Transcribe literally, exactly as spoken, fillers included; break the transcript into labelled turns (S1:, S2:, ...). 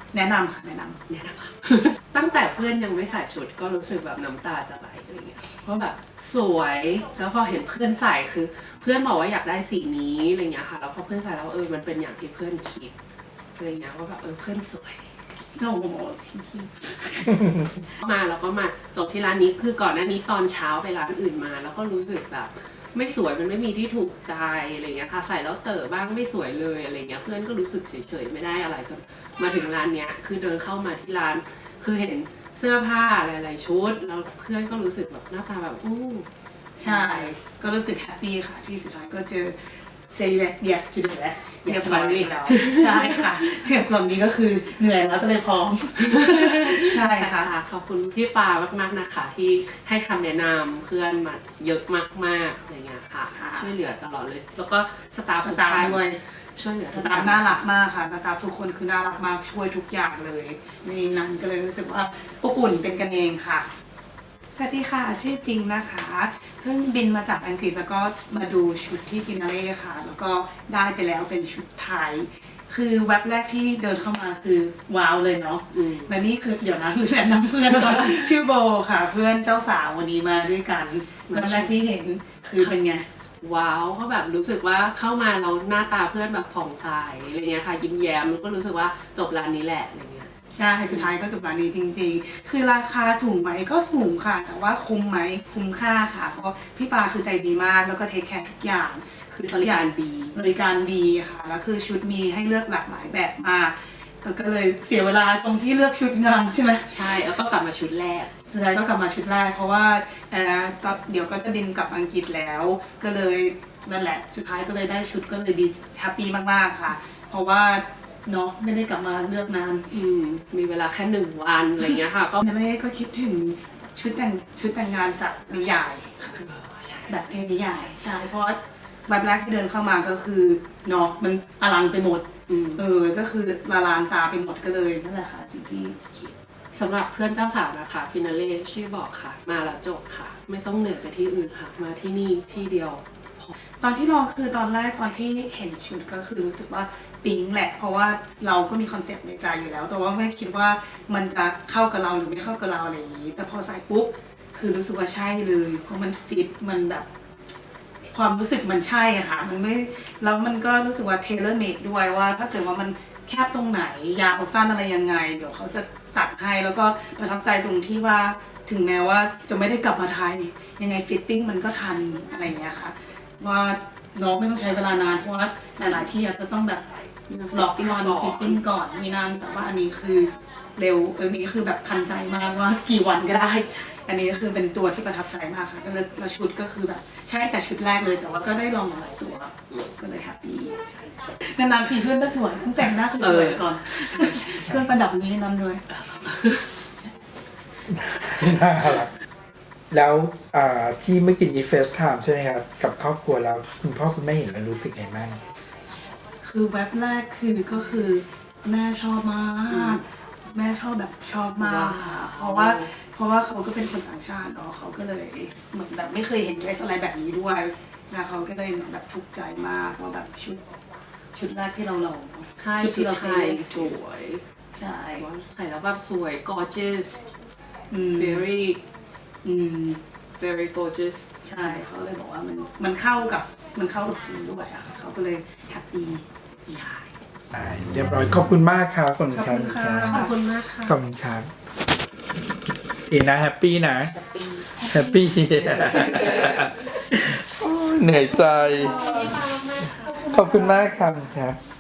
S1: แนะนำค่ะแนะนำ
S2: แนะนำค่ะ ตั้งแต่เพื่อนยังไม่ใส่ชุดก็รู้สึกแบบน้ำตาจะไหลอะไรเงี้ยเพราะแบบสวยแล้วพอเห็นเพื่อนใส่คือเพื่อนบอกว่าอยากได้สีนี้อะไรเงี้ยค่ะแล้วพอเพื่อนใส่แล้วเออมันเป็นอย่างที่เพื่อนคิดอะไรเงี้ยว่าแบบเออเพื่อนสวยโอ้โหทิ้งๆมาแล้วก็มาจบที่ร้านนี้คือก่อนหน้านี้ตอนเช้าไปร้านอื่นมา แล้วก็รู้สึกแบบไม่สวยมันไม่มีที่ถูกใจอะไรเงี้ยค่ะใส่แล้วเต๋อบ้างไม่สวยเลยอะไรเงี้ยเพื่อนก็รู้สึกเฉยๆไม่ได้อะไรจนมาถึงร้านเนี้ยคือเดินเข้ามาที่ร้านคือเห็นเสื้อผ้าหลายๆชุดแล้วเพื่อนก็รู้สึกแบบหน้าตาแบบอู้
S1: ใช่ก็รู้สึกแฮปปี้ค่ะที่สุดท้ายก็เจอ say yes to the best เรียบร้อยแล้วใช่ค่ะเรียบแบบนี้ก็คือเหนื่อยแล้วก็เลยพร้อมใช่ค่ะ
S2: ขอบคุณพี่ปามากๆนะคะที่ให้คำแนะนำเพื่อนมาเยอะมากๆอะไรเงี้ยค่ะช่วยเหลือตลอดเลยแล้วก็สตาฟ
S1: สตาฟด้วย
S2: ช่วยเหลือ
S1: สตาฟน่ารักมากค่ะสตาฟทุกคนคือน่ารักมากช่วยทุกอย่างเลยในนั้นก็เลยรู้สึกว่าอบอุ่นเป็นกันเองค่ะสวัสดีค่ะชื่อจริงนะคะเพิ่งบินมาจากอังกฤษแล้วก็มาดูชุดที่ฟินาเล่ค่ะแล้วก็ได้ไปแล้วเป็นชุดไทยคือแว็บแรกที่เดินเข้ามาคือว้าวเลยเนาะและนี่คือเดี๋ยวนะคือแนะนำเพื่อนก่อนชื่อโบค่ะเพื่อนเจ้าสาววันนี้มาด้วยกันแว็บแรกที่เห็นคือเป็นไง
S2: ว้าวก็แบบรู้สึกว่าเข้ามาเราหน้าตาเพื่อนแบบผ่องใสอะไรเงี้ยค่ะยิ้มแย้มแล้วก็รู้สึกว่าจบร้านนี้แหละอะไรเงี้ย
S1: ใช่สุดท้ายก็จบร้านนี้จริงๆคือราคาสูงไหมก็สูงค่ะแต่ว่าคุ้มไหมคุ้มค่าค่ะเพราะพี่ปาคือใจดีมากแล้วก็เทคแคร์ทุกอย่างคือบ
S2: ริการดี
S1: บริการดีค่ะแล้วคือชุดมีให้เลือกหลากหลายแบบมากก็เลยเสียเวลาตรงที่เลือกชุดงานใช่ไหม
S2: ใช่แล้วก็กลับมาชุดแรก
S1: สุดท้ายก็กลับมาชุดแรกเพราะว่าเอ่อเดี๋ยวก็จะบินกลับอังกฤษแล้วก็เลยนั่นแหละสุดท้ายก็เลยได้ชุดก็เลยดีแฮปปี้มากๆค่ะเพราะว่าเนาะไม่ได้กลับมาเลือกนาน
S2: อืมมีเวลาแค่หนึ่งวันอะไรเงี้ยค่ะก็
S1: นั่นแหละก็คิดถึงชุดแต่งชุดแต่งงานจากนิยายแบบเทพนิยายใช่เพราะแบบแรกที่เดินเข้ามาก็คือเนาะมันอลังไปหมดเออก็คือละลานตาไปหมดก็เลยนั่นแหละค่ะสิ่งที่คิด
S2: สำหรับเพื่อนเจ้าสาวนะคะฟินาเล่ชื่อบอกค่ะมาแล้วจบค่ะไม่ต้องเหนื่อยไปที่อื่นค่ะมาที่นี่ที่เดียว
S1: ตอนที่ลองคือตอนแรกตอนที่เห็นชุดก็คือรู้สึกว่าปิ๊งแหละเพราะว่าเราก็มีคอนเซ็ปต์ในใจอยู่แล้วแต่ว่าไม่คิดว่ามันจะเข้ากับเราหรือไม่เข้ากับเราอะไรอย่างนี้แต่พอใส่ปุ๊บคือรู้สึกว่าใช่เลยเพราะมันฟิตมันแบบความรู้สึกมันใช่ค่ะมันไม่แล้วมันก็รู้สึกว่าเทเลอร์เมดด้วยว่าถ้าเกิดว่ามันแคบตรงไหนยาวสั้นอะไรยังไงเดี๋ยวเขาจะจัดให้แล้วก็ประทับใจตรงที่ว่าถึงแม้ว่าจะไม่ได้กลับมาไทยยังไงฟิตติ้งมันก็ทันอะไรอย่างเงี้ยค่ะว่าน้องไม่ต้องใช้เวลานานเพราะว่าหลายๆที่อาจจะต้องแบบล็อกวันฟิตติ้งก่อนมีนานแต่ว่าอันนี้คือเร็วเออนี้คือแบบทันใจมากว่ากี่วันก็ได้อันนี้ก็คือเป็นตัวที่ประทับใจมากค่ะแล้วชุดก็คือแบบใช่แต่ชุดแรกเลยแต่ว่าก็ได้ลองหลายตัวก็เลยแฮปปี้ใช่นานๆทีเพื่อนก็สวยต้องแต่งหน้าสวยๆก่อนเครื่องประดับนี้นั่นด้วย
S3: น่ารักแล้วที่เมื่อกี้นี้เฟสไทม์ใช่ไหมครับกับครอบครัวแล้วคุณพ่อคุณแม่เห็นแล้วรู้สึกไงบ้าง
S1: คือแว็บแรกคือก็คือแม่ชอบมากแม่ชอบแบบชอบมากค่ะเพราะว่าเพราะว่าเขาก็เป็นคนต่างชาติเนาะเขาก็เลยเหมือนแบบไม่เคยเห็นเดรสอะไรแบบนี้ด้วยแล้วเขาก็เลยแบบถูกใจมากว่าแบบชุดชุดแรกที่เราลอง
S2: ชุดที่เราใส่สวย
S1: ใช่
S2: ใส่แล้วแบบสวย gorgeous very
S1: อืม
S2: very gorgeous
S1: ใช่เขาเลยบอกว่ามันมันเข้ากับมันเข้ากับทีมด้วยอะค่ะเขาก็เลยแฮปปี้ใช่
S3: เรียบร้อยขอบคุณมากครับขอบคุณครับ
S1: ขอบคุณมากค่ะ
S3: ขอบคุณครับอีนะแฮปปี้นะแฮปปี้เหนื่อยใจขอบคุณมากครับ